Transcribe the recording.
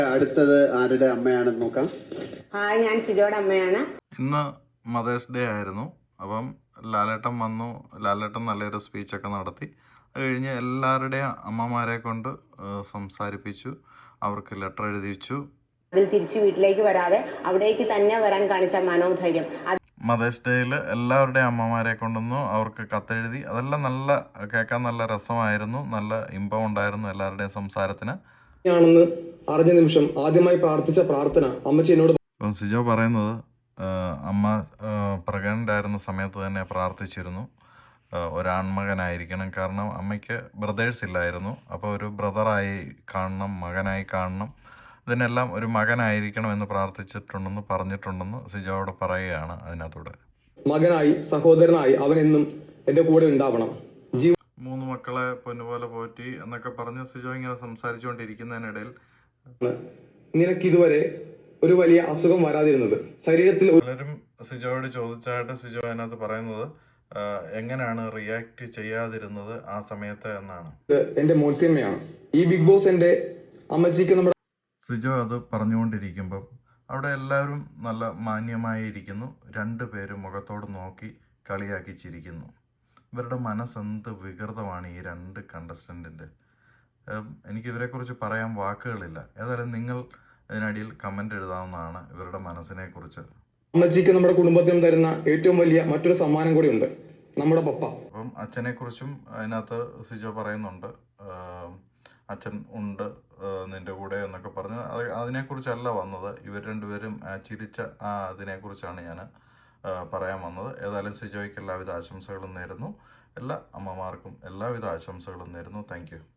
അടുത്തത് ആരുടെ അമ്മയാണെന്ന് നോക്കാം. ഹായ്, ഞാൻ സിജോയുടെ അമ്മയാണ്. ഇന്ന് മദേഴ്സ് ഡേ ആയിരുന്നു. അപ്പം ലാലേട്ടൻ വന്നു. ലാലേട്ടൻ നല്ലൊരു സ്പീച്ചൊക്കെ നടത്തി. അത് കഴിഞ്ഞ് എല്ലാവരുടെയും അമ്മമാരെ കൊണ്ട് സംസാരിപ്പിച്ചു. അവർക്ക് ലെറ്റർ എഴുതിച്ചു. അതിൽ തിരിച്ചു വീട്ടിലേക്ക് വരാതെ അവിടേക്ക് തന്നെ വരാൻ കാണിച്ച മനോധൈര്യം. മദേഴ്സ് ഡേയിൽ എല്ലാവരുടെയും അമ്മമാരെ കൊണ്ടൊന്നു അവർക്ക് കത്തെഴുതി. അതെല്ലാം കേൾക്കാൻ നല്ല രസമായിരുന്നു. നല്ല ഇമ്പം ഉണ്ടായിരുന്നു എല്ലാവരുടെയും സംസാരത്തിന്. ാണെന്ന് അറിഞ്ഞ നിമിഷം ആദ്യമായി പ്രാർത്ഥിച്ച പ്രാർത്ഥന അമ്മച്ചി എന്നോട്. സിജോ പറയുന്നത് അമ്മ പ്രഗ്നൻ്റ് ആയിരുന്ന സമയത്ത് തന്നെ പ്രാർത്ഥിച്ചിരുന്നു ഒരാൺമകനായിരിക്കണം. കാരണം അമ്മയ്ക്ക് ബ്രദേഴ്സ് ഇല്ലായിരുന്നു. അപ്പോൾ ഒരു ബ്രദറായി കാണണം, മകനായി കാണണം, ഇതിനെല്ലാം ഒരു മകനായിരിക്കണം എന്ന് പ്രാർത്ഥിച്ചിട്ടുണ്ടെന്ന് പറഞ്ഞിട്ടുണ്ടെന്ന് സിജോ അവിടെ പറയുകയാണ്. അതിനകത്തൂടെ മകനായി, സഹോദരനായി അവൻ എന്നും എൻ്റെ കൂടെ ഉണ്ടാവണം. 3 മക്കളെ പൊന്നുപോലെ പോറ്റി എന്നൊക്കെ പറഞ്ഞ് സിജോ ഇങ്ങനെ സംസാരിച്ചുകൊണ്ടിരിക്കുന്നതിനിടയിൽ നിനക്കിതുവരെ ഒരു വലിയ അസുഖം വരാതിരുന്നത് ശരീരത്തിൽ. പലരും സിജോയോട് ചോദിച്ചായിട്ട് സിജോ അതിനകത്ത് പറയുന്നത് എങ്ങനെയാണ് റിയാക്ട് ചെയ്യാതിരുന്നത് ആ സമയത്ത് എന്നാണ്. എന്റെ മോൻസിയമ്മയാണ് ഈ ബിഗ് ബോസ്. എന്റെ അമ്മച്ചിക്ക് നമ്മുടെ സിജോ അത് പറഞ്ഞുകൊണ്ടിരിക്കുമ്പം അവിടെ എല്ലാവരും നല്ല മാന്യമായി ഇരിക്കുന്നു. 2 പേരും മുഖത്തോട് നോക്കി കളിയാക്കി ചിരിക്കുന്നു. ഇവരുടെ മനസ്സെന്ത് വികൃതമാണ് ഈ 2 കണ്ടസ്റ്റൻറ്റിൻ്റെ. എനിക്കിവരെക്കുറിച്ച് പറയാൻ വാക്കുകളില്ല. ഏതായാലും നിങ്ങൾ ഇതിനടിയിൽ കമൻ്റ് എഴുതാവുന്നതാണ് ഇവരുടെ മനസ്സിനെ കുറിച്ച്. അമ്മച്ചിക്ക് നമ്മുടെ കുടുംബത്തിനും തരുന്ന ഏറ്റവും വലിയ മറ്റൊരു സമ്മാനം കൂടിയുണ്ട്, നമ്മുടെ പപ്പ. അപ്പം അച്ഛനെക്കുറിച്ചും അതിനകത്ത് സിജോ പറയുന്നുണ്ട്. അച്ഛൻ ഉണ്ട് നിൻ്റെ കൂടെ എന്നൊക്കെ പറഞ്ഞ് അതിനെക്കുറിച്ചല്ല വന്നത്. ഇവർ 2 പേരും ചിരിച്ച അതിനെക്കുറിച്ചാണ് ഞാൻ പറയാൻ വന്നത്. ഏതായാലും സിജോയ്ക്ക് എല്ലാവിധ ആശംസകളും നേരുന്നു. എല്ലാ അമ്മമാർക്കും എല്ലാവിധ ആശംസകളും നേരുന്നു. Thank U.